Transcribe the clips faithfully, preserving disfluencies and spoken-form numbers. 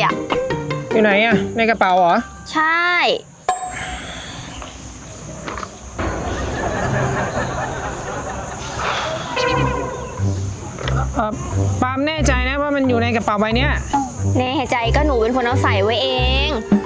อ่ะอยู่ไหนอ่ะในกระเป๋าเหรอใช่เออปาล์มแน่ใจนะว่ามันอยู่ในกระเป๋าใบเนี้ยแน่ใจก็หนูเป็นคนเอาใส่ไว้เอง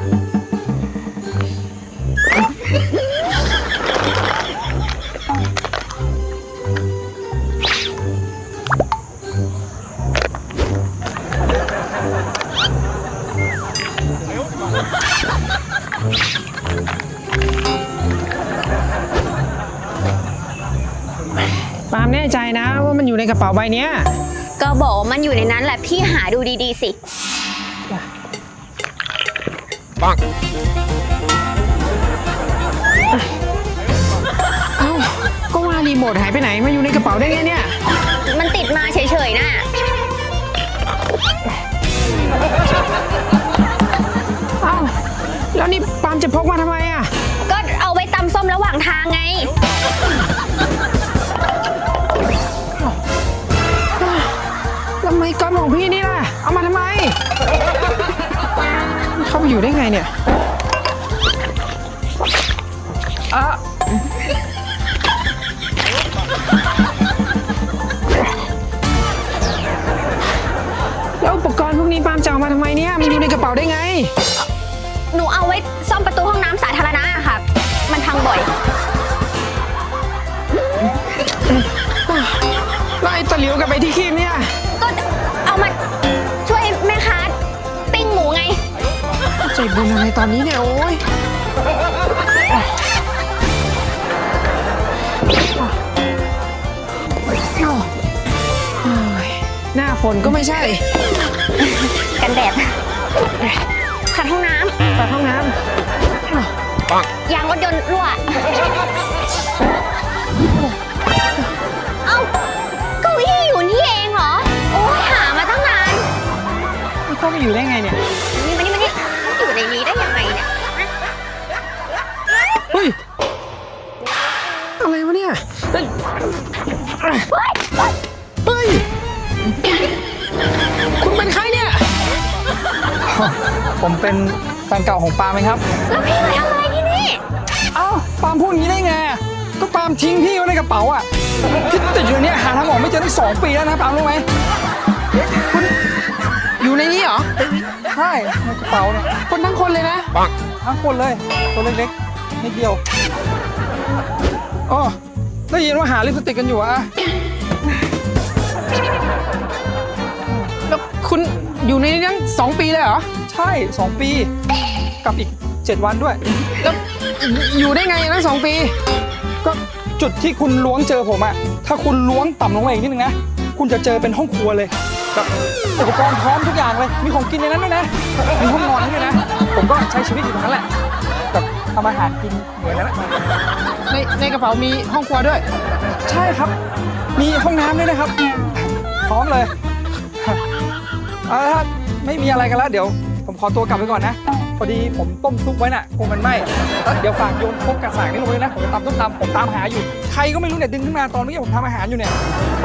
ปาล์มแน่ใจนะว่ามันอยู่ในกระเป๋าใบเนี้ยก็บอกว่ามันอยู่ในนั้นแหละพี่หาดูดีๆสิปังเอ้าก็ว่ารีโมทหายไปไหนมาอยู่ในกระเป๋าได้ไงเนี่ยมันติดมาเฉยๆน่ะเอ้าแล้วนี่ปาล์มจะพกมาทำไมอ่ะก็เอาไว้ตำส้มระหว่างทางไงทำไมก๊อตของพี่นี่ล่ะเอามาทำไมเข้าไปอยู่ได้ไงเนี่ยอ่ะแล้วอุปกรณ์พวกนี้ปาล์มจะเอามาทำไมเนี่ยมันอยู่ในกระเป๋าได้ไงหนูเอาไว้ซ่อมประตูห้องน้ำสาธารณะค่ะมันพังบ่อยแล้วไอ้ตะหลิวกับไอ้ที่คีบเนี่ยก็เอามาช่วยแม่ค้าปิ้งหมูไงใจบุญอะไรตอนนี้เนี่ยโอ้ยหน้าฝนก็ไม่ใช่กันแดดขัดห้องน้ำขัดห้องน้ำยางรถยนต์รั่วเอ้าเก้าอี้อยู่นี่เองเหรอโอ้ยหามาตั้งนานมันเข้าไปอยู่ได้ไงเนี่ยนี่มานี่มานี่อยู่ในนี้ได้ยังไงเนี่ยเฮ้ยอะไรวะเนี่ยเฮ้ยเฮ้ยคุณเป็นใครเนี่ยผมเป็นแฟนเก่าของปาล์มไหมครับแล้วพี่มาทำอะไรที่นี่เอ้าปาล์มพูดอย่างนี้ได้ไงก็ปาล์มทิ้งพี่ไว้ในกระเป๋าอ่ะพี่ติดอยู่เนี่ยหาทางออกไม่เจอตั้งสองปีแล้วนะปาล์มรู้ไหมคุณอยู่ในนี้เหรอใช่ในกระเป๋าเนี่ยคนทั้งคนเลยนะปังทั้งคนเลยตัวเล็กๆนิดเดียวอ๋อได้ยินว่าหาลิปสติกกันอยู่อะแล้วคุณอยู่ในนี้ตั้งสองปีเลยเหรอใช่สองปีกับอีกเจ็ดวันด้วยแล้วอยู่ได้ไงตั้งสองปีก็จุดที่คุณล้วงเจอผมอะถ้าคุณล้วงต่ำลงมาอีกนิดนึงนะคุณจะเจอเป็นห้องครัวเลยแบบอุปกรณ์พร้อมทุกอย่างเลยมีของกินในนั้นด้วยนะมีห้องนอนด้วยนะผมก็ใช้ชีวิตอยู่ตรงนั้นแหละแบบทำอาหารกินเหมือนนั้นแหละในในกระเป๋ามีห้องครัวด้วยใช่ครับมีห้องน้ำด้วยนะครับพร้อมเลยถ้าไม่มีอะไรกันแล้วเดี๋ยวผมขอตัวกลับไปก่อนนะพอดีผมต้มซุปไว้น่ะคงมันไหม้เดี๋ยวฝากโยนพกกระสางนี่ลงเลยนะผมจะตำต้มตำผมตามหาอยู่ใครก็ไม่รู้เนี่ยดึงขึ้นมาตอนนี้ผมทำอาหารอยู่เนี่ย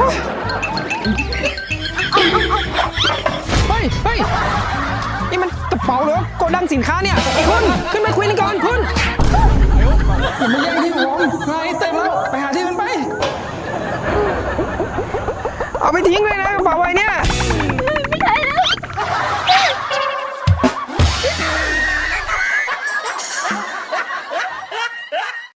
เฮ้ยเฮ้ยนี่มันกระเป๋าเหรอโกดังสินค้าเนี่ยคุณขึ้นมาคุยกันก่อนคุณอย่ามาแย่งที่ผมงานนี้เต็มแล้วไปหาที่อื่นไปเอาไปทิ้งเลยนะกระเป๋าใบนี้